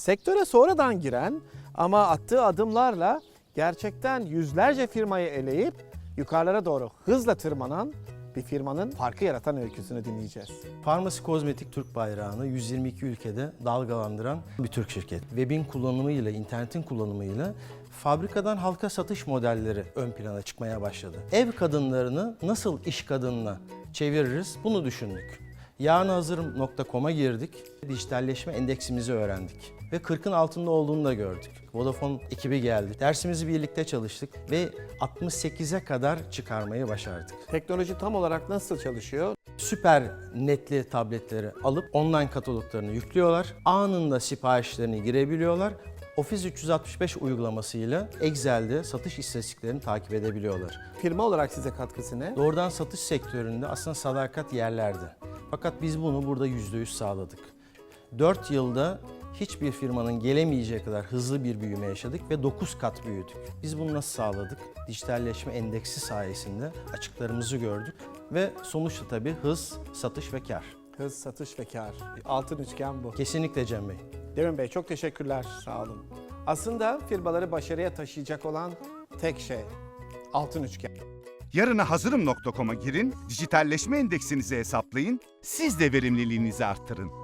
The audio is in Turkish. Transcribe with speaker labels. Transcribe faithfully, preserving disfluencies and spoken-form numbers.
Speaker 1: Sektöre sonradan giren ama attığı adımlarla gerçekten yüzlerce firmayı eleyip yukarılara doğru hızla tırmanan bir firmanın farkı yaratan öyküsünü dinleyeceğiz.
Speaker 2: Pharmacy Kozmetik Türk bayrağını yüz yirmi iki ülkede dalgalandıran bir Türk şirket. Web'in kullanımıyla, internetin kullanımıyla fabrikadan halka satış modelleri ön plana çıkmaya başladı. Ev kadınlarını nasıl iş kadınına çeviririz bunu düşündük. yarına hazırım nokta com'a girdik. Dijitalleşme endeksimizi öğrendik. Ve kırkın altında olduğunu da gördük. Vodafone ekibi geldi. Dersimizi birlikte çalıştık ve altmış sekize kadar çıkarmayı başardık.
Speaker 1: Teknoloji tam olarak nasıl çalışıyor?
Speaker 2: Süper netli tabletleri alıp online kataloglarını yüklüyorlar. Anında siparişlerini girebiliyorlar. Office üç yüz altmış beş uygulamasıyla Excel'de satış istatistiklerini takip edebiliyorlar.
Speaker 1: Firma olarak size katkısı ne?
Speaker 2: Doğrudan satış sektöründe aslında sadakat yerlerde. Fakat biz bunu burada yüzde yüz sağladık. dört yılda hiçbir firmanın gelemeyeceği kadar hızlı bir büyüme yaşadık ve dokuz kat büyüdük. Biz bunu nasıl sağladık? Dijitalleşme endeksi sayesinde açıklarımızı gördük ve sonuçta tabii hız, satış ve kar.
Speaker 1: Hız, satış ve kar. Altın üçgen bu.
Speaker 2: Kesinlikle Cem Bey.
Speaker 1: Demin Bey çok teşekkürler. Sağ olun. Aslında firmaları başarıya taşıyacak olan tek şey altın üçgen.
Speaker 3: Yarına hazırım nokta com'a girin, dijitalleşme endeksinizi hesaplayın, siz de verimliliğinizi arttırın.